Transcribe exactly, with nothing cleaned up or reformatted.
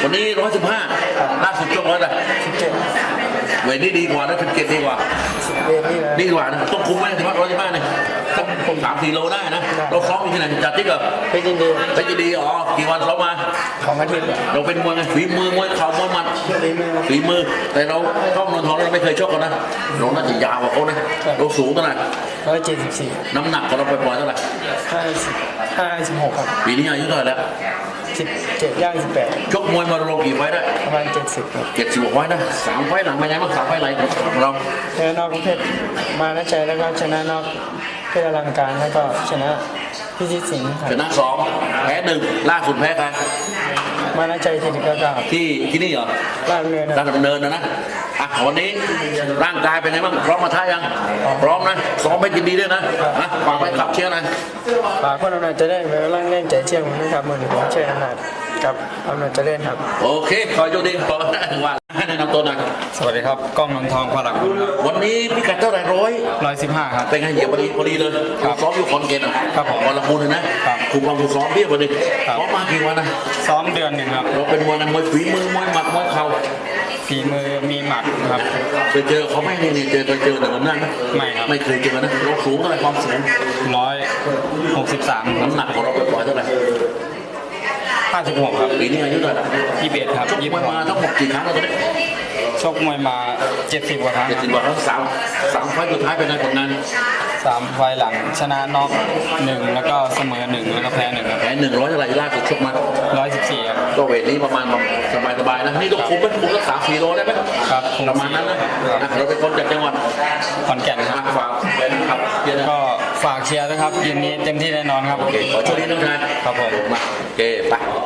วันนี้ร้อยสิบห้าล่าสุดช่วงร้อยอะไรสิบเจ็ดเวทนี้ดีกว่านะสิบเจ็ดดีกว่าสิบเอ็ดนี่นะดีกว่านะต้องคุมไหมถึงว่าร้อยสิบห้าเนี่ยต้องคุมสามสี่โลได้นะเราซ้อมอยู่ที่ไหนจัดที่กับเพชรยินดีเพชรยินดีอ๋อกี่วันซ้อมมาของอาทิตย์เราเป็นมวยไงฝีมือมวยเข่ามวยหมัดฝีมือฝีมือแต่เราต้องนนทองเราไม่เคยชกกันนะเราน่าจะยาวกว่าเขานะเราสูงเท่าไหร่ร้อยเจ็ดสิบสี่น้ำหนักของเราปล่อยๆเท่าไหร่ห้าสิบห้าสิบหกครับปีนี้อายุเท่าไหร่แล้วสิบเจ็ดย่างสิบแปดชกมวยมาลงกี่ไฟได้ประมาณเจ็ดสิบครับเจ็ดสิบกว่าไฟนะสามไฟหลังเป็นไงบ้างสามไฟไหลของเราชนะนอกประเภทมานะใจแล้วก็ชนะนอกเพชรอลังการแล้วก็ชนะพิชิตสิงห์ครัชบนะสองแพ้หนึ่งล่าสุดแพ้ใครมานะใจทีเดียวก็ที่ที่นี่เหรอล่างเนินด้านดำเนินนะนะอ่ะวันนี้ร่างกายเป็นไงบ้างพร้อมมาท้ายังพร้อมนะซ้อมไปยินดีด้วยนะนะฝากไปขับเชียร์หนะฝากคนอำนาจจะได้ไปร่างเล่นใจเชี่ยงผมนะครับมือหนึ่งผมเชื่ออำนาจกับอำนาจจะเล่นครับโอเคขอโชคดีขอได้ถึงวันให้แนะนำตัวหน่อยสวัสดีครับกล้องนนทองพลังคุณครับวันนี้พิกัดเท่าไหร่ร้อยร้อยสิบห้าครับเป็นไงเหยียบพอดีพอดีเลยครับซ้อมอยู่คอนเกตอ่ะครับผมวันละมูลเลยนะครับ คุมความฝึกซ้อมเพียบพอดีครับซ้อมมากี่วันนะซ้อมเดือนหนึ่งครับเราเป็นมวยกันมวยฝีมือมวยหมัดมวยเข่าฝีมือมีหมัดครับเคยเจอเขาไหมเนี่ยเนี่ยเจอเคยเจอแต่วันนั้นไหมไม่ครับไม่เคยเจอนะเราสูงเท่าไหร่ความสูงร้อยหกสิบสามน้ำหนักของเราปล่อยๆเท่าไหร่ห้าสิบหกครับปีนี้อายุเท่าไหร่ยี่สิบเอ็ดครับชกยี่มสิวยบหกมาทั้งหมดกี่ครั้งแล้วตอนนี้ชกมวยมาเจ็ดสิบกว่าครั้งเจ็ดสิบกว่าครั้งสามสามไฟล์สุดท้ายเป็นไงผลงานสามไฟล์หลังชนะน็อกหนึ่งแล้วก็เสมอหนึ่งแล้วก็แพ้หนึ่งครับแพ้หนึ่งร้อยเท่าไหร่ล่าสุดชกมาร้อยสิบสี่ครับก็เวทนี้ประมาณสบายสบายๆนะนี่ต้องคุมเป็นคุมรักษาสี่โลได้ไหมครับคงประมาณนั้นนะอ่ะเราเป็นคนจากจังหวัดขอนแก่นครับอ่ะฝากแฟนคลับเชียร์นะก็ฝากเชียร์ด้วยครับเย็นนี้เต็มที่แน่นอนครับโอเคขอโชคดีน้องชายครับผมมาโอเคไป